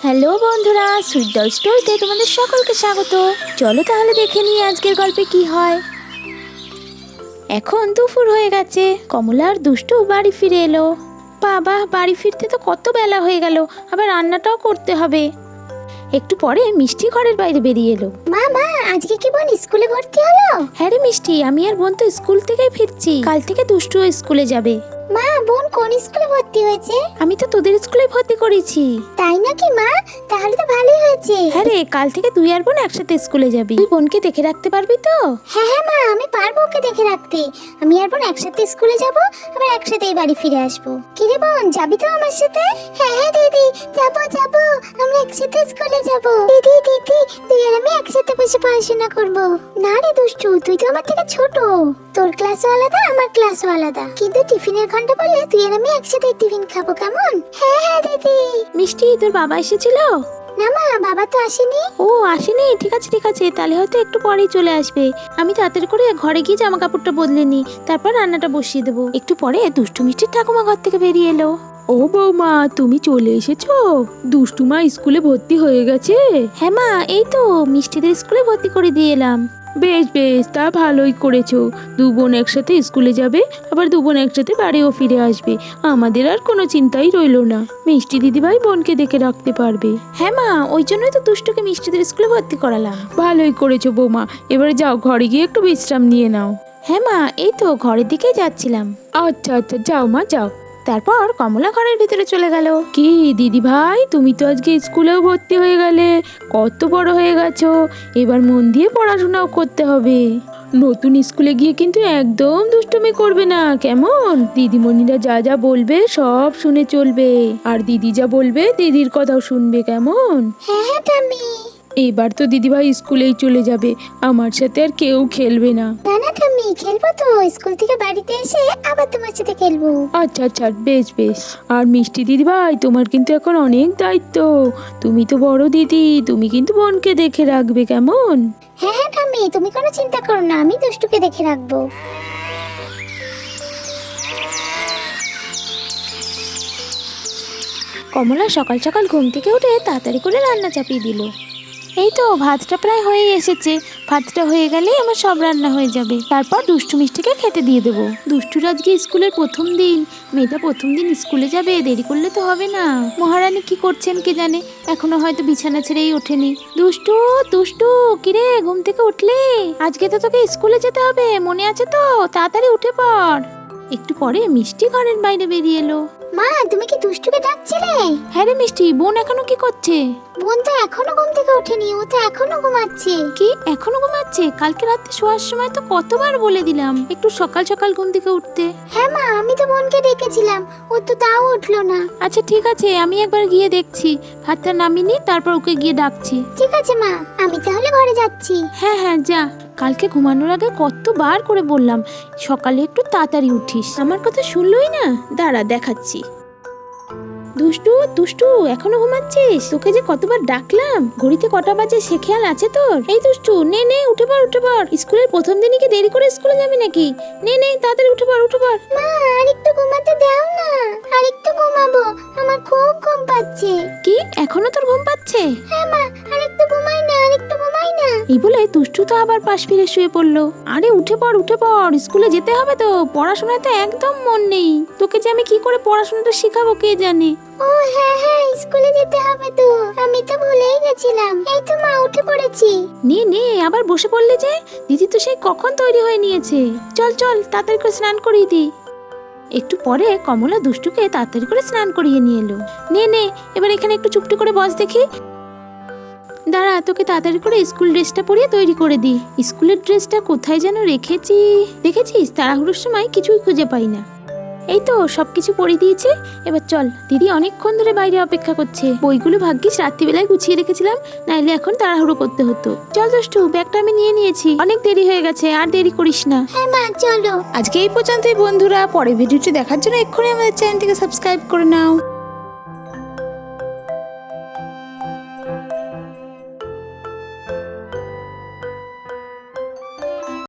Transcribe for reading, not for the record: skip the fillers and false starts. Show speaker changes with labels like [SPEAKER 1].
[SPEAKER 1] Hello বন্ধুরা, sweet doll স্টোরিতে তোমাদের সকলকে স্বাগত। চলো তাহলে দেখে নিই আজকের গল্পে কি হয়। এখন দুপুর হয়ে গেছে, কমলা আর দুষ্টু বাড়ি ফিরে এলো। বাবা, বাড়ি ফিরতে তো কত বেলা হয়ে গেল, আবার রান্নাটাও করতে হবে। একটু পরে মিষ্টি ঘরের বাইরে বেরিয়ে এলো।
[SPEAKER 2] মা, আজকে কি বোন স্কুলে ভর্তি হলো?
[SPEAKER 1] হ্যাঁ রে মিষ্টি, আমি আর বোন তো স্কুল থেকেই ফিরছি। কাল থেকে দুষ্টুও স্কুলে যাবে।
[SPEAKER 2] মা, বোন কোন স্কুলে ভর্তি হয়েছে?
[SPEAKER 1] আমি তো তোদের স্কুলে ভর্তি করেছি।
[SPEAKER 2] তাই নাকি মা? তাহলে তো ভালোই হয়েছে।
[SPEAKER 1] হ্যাঁ রে, কাল থেকে তুই আর বোন একসাথে স্কুলে যাবি। তুই বোনকে দেখে রাখতে পারবি তো?
[SPEAKER 2] হ্যাঁ মা, আমি পারবো ওকে দেখে রাখতে। আমি আর বোন একসাথে স্কুলে যাব, আবার একসাথেই বাড়ি ফিরে আসবো। কি রে বোন, যাবি তো আমার সাথে? হ্যাঁ দিদি, যাবো, আমরা একসাথে স্কুলে যাব। দিদি তুই আর আমি একসাথে বসে পড়াশোনা করব। না রে দুষ্টু, তুই তো আমার থেকে ছোট। তোর ক্লাসও আলাদা, আমার ক্লাসও আলাদা, কিন্তু টিফিনের ঘন্টা বললে তুই আর আমি একসাথে টিফিন খাবো, কেমন? হ্যাঁ দিদি।
[SPEAKER 1] মিষ্টি, তোর বাবা এসেছিল?
[SPEAKER 2] না মা, বাবা তো আসেনি।
[SPEAKER 1] ও আসেনি? ঠিক আছে, তাহলে হয়তো একটু পরেই চলে আসবে। আমি তাড়াতাড়ি করে ঘরে গিয়ে জামা কাপড়টা বদলে নি, তারপর রান্নাটা বসিয়ে দেবো। একটু পরে দুষ্টু মিষ্টির ঠাকুমা ঘর থেকে বেরিয়ে এলো।
[SPEAKER 3] ও বৌমা, তুমি চলে এসেছো? দুষ্টুমা স্কুলে ভর্তি হয়ে গেছে?
[SPEAKER 1] হ্যাঁ মা, এই তো মিষ্টিদের স্কুলে ভর্তি করে দিয়ে এলাম।
[SPEAKER 3] বেশ, তা ভালোই করেছো। দু বোন একসাথে স্কুলে যাবে, আবার দু বোন একসাথে বাড়িও ফিরে আসবে। আমাদের আর কোনো চিন্তাই রইলো না। মিষ্টি দিদিভাই বোনকে দেখে রাখতে পারবে।
[SPEAKER 1] হ্যাঁ মা, ওই জন্যই তো দুষ্টুকে মিষ্টিদের স্কুলে ভর্তি করালাম।
[SPEAKER 3] ভালোই করেছো বৌমা। এবারে যাও, ঘরে গিয়ে একটু বিশ্রাম নিয়ে নাও।
[SPEAKER 1] হ্যাঁ মা, এই তো ঘরের দিকেই যাচ্ছিলাম।
[SPEAKER 3] আচ্ছা, যাও মা, যাও।
[SPEAKER 1] তারপর কমলা ঘরের ভিতরে চলে গেল।
[SPEAKER 3] কি দিদি ভাই, তুমি তো আজকে স্কুলেও ভর্তি হয়ে গেলে। কত বড় হয়ে গেছো, এবার মন দিয়ে পড়াশোনাও করতে হবে। নতুন স্কুলে গিয়ে কিন্তু একদম দুষ্টুমি করবে না, কেমন? দিদিমণিরা যা যা বলবে সব শুনে চলবে, আর দিদি যা বলবে দিদির কথাও শুনবে, কেমন?
[SPEAKER 2] হ্যাঁ টামি।
[SPEAKER 3] এবার তো দিদিভাই স্কুলেই চলে যাবে, আমার সাথে আর কেউ খেলবে না।
[SPEAKER 2] না টামি, খেলবো তো। স্কুল থেকে বাড়িতে এসে আবার তোমার সাথে খেলবো।
[SPEAKER 3] আচ্ছা, বেশ। আর মিষ্টি দিদিভাই, তোমার কিন্তু এখন অনেক দায়িত্ব। তুমি তো বড় দিদি, তুমি কিন্তু বোনকে দেখে রাখবে, কেমন?
[SPEAKER 2] হ্যাঁ টামি, তুমি কোনো চিন্তা করো না, আমি দুষ্টুকে দেখে রাখবো।
[SPEAKER 1] কমলা সকাল সকাল ঘুম থেকে উঠে তাড়াতাড়ি করে রান্না চাপিয়ে দিল। এই তো ভাতটা প্রায় হয়ে এসেছে। ভাতটা হয়ে গেলেই আমার সব রান্না হয়ে যাবে। তারপর দুষ্টু মিষ্টিকে খেতে দিয়ে দেবো। দুষ্টুর আজকে স্কুলের প্রথম দিন। মেয়েটা প্রথম দিন স্কুলে যাবে, দেরি করলে তো হবে না। মহারানী কি করছেন কে জানে, এখনো হয়তো বিছানা ছেড়েই ওঠেনি। দুষ্টু কিরে, ঘুম থেকে উঠলি? আজকে তো তোকে স্কুলে যেতে হবে, মনে আছে তো? তাড়াতাড়ি উঠে পড়। একটু পরে মিষ্টি ঘরের বাইরে বেরিয়ে এলো।
[SPEAKER 2] মা, তুমি কি দুষ্টুকে ডাকছিলে?
[SPEAKER 1] হ্যাঁ রে মিষ্টি, বোন এখনো কি করছে?
[SPEAKER 2] বোন তো এখনো ঘুম থেকে ওঠেনি, ও তো এখনো ঘুমাচ্ছে।
[SPEAKER 1] কি এখনো ঘুমাচ্ছে? কালকে রাতে শোয়ার সময় তো কতবার বলে দিলাম একটু সকাল সকাল ঘুম থেকে উঠতে।
[SPEAKER 2] হ্যাঁ মা, আমি তো বোনকে ডেকেছিলাম, ও তো তাও উঠলো না।
[SPEAKER 1] আচ্ছা ঠিক আছে, আমি একবার গিয়ে দেখছি। ভাতটা নামিনি, তারপর ওকে গিয়ে ডাকছি।
[SPEAKER 2] ঠিক আছে মা, আমি তাহলে ঘরে যাচ্ছি।
[SPEAKER 1] হ্যাঁ যা। কালকে ঘুমানোর আগে কতবার করে বললাম সকালে একটু তাড়াতাড়ি উঠিস, আমার কথা শুনলই না। দাঁড়া দেখাচ্ছি। দুষ্টু এখনো ঘুমাচ্ছিস? তোকে যে কতবার ডাকলাম, ঘড়িতে কটা বাজে সে খেয়াল আছে তোর? এই দুষ্টু, নে উঠে পড়। স্কুলের প্রথম দিনই কি দেরি করে স্কুলে যাবি নাকি? নে তাড়াতাড়ি উঠে পড়।
[SPEAKER 2] মা, আর একটু ঘুমাতে দাও না, আর একটু ঘুমাবো, আমার খুব ঘুম পাচ্ছে।
[SPEAKER 1] কি এখনো তোর ঘুম পাচ্ছে?
[SPEAKER 2] হ্যাঁ মা, আর একটু ঘুমাই না।
[SPEAKER 1] এই বলে দুষ্টু তো আবার পাশ ফিরে শুয়ে পড়লো। আরে উঠে পড়, স্কুলে যেতে হবে তো। পড়াশোনায় তো একদম মন নেই। তোকে যে আমি কি করে পড়াশোনাটা শিখাবো কে জানে।
[SPEAKER 2] ও হ্যাঁ, স্কুলে যেতে হবে তো, আমি তো ভুলেই গেছিলাম। এই তো মা, উঠে পড়েছি।
[SPEAKER 1] নে আবার বসে পড়লে যে। দিদি তো সেই কখন তৈরি হয়ে নিয়েছে। চল তাড়াতাড়ি করে স্নান করিয়ে দি। একটু পরে কমলা দুষ্টুকে তাড়াতাড়ি করে স্নান করিয়ে নিয়ে এলো। নে এবার এখানে একটু চুপটি করে বস দেখি। দাঁড়া, তোকে তাড়াতাড়ি করে স্কুল ড্রেসটা পরিয়ে তৈরি করে দি। স্কুলের ড্রেসটা কোথায় যেন রেখেছি। দেখেছিস, তাড়াহুড়োর সময় কিছুই খুঁজে পাই না। এই তো সবকিছু পরিয়ে দিয়েছে। এবার চল, দিদি অনেকক্ষণ ধরে বাইরে অপেক্ষা করছে। বইগুলো ভাগ্যিস রাত্রিবেলায় গুছিয়ে রেখেছিলাম, নাইলে এখন তাড়াহুড়ো করতে হতো। চল দুষ্টু, ব্যাগটা আমি নিয়ে নিয়েছি, অনেক দেরি হয়ে গেছে, আর দেরি করিস না।
[SPEAKER 2] হ্যাঁ মা, চলো।
[SPEAKER 1] আজকে এই পর্যন্তই বন্ধুরা। পরের ভিডিওটি দেখার জন্য এক্ষুনি আমাদের চ্যানেলটিকে সাবস্ক্রাইব করে নাও।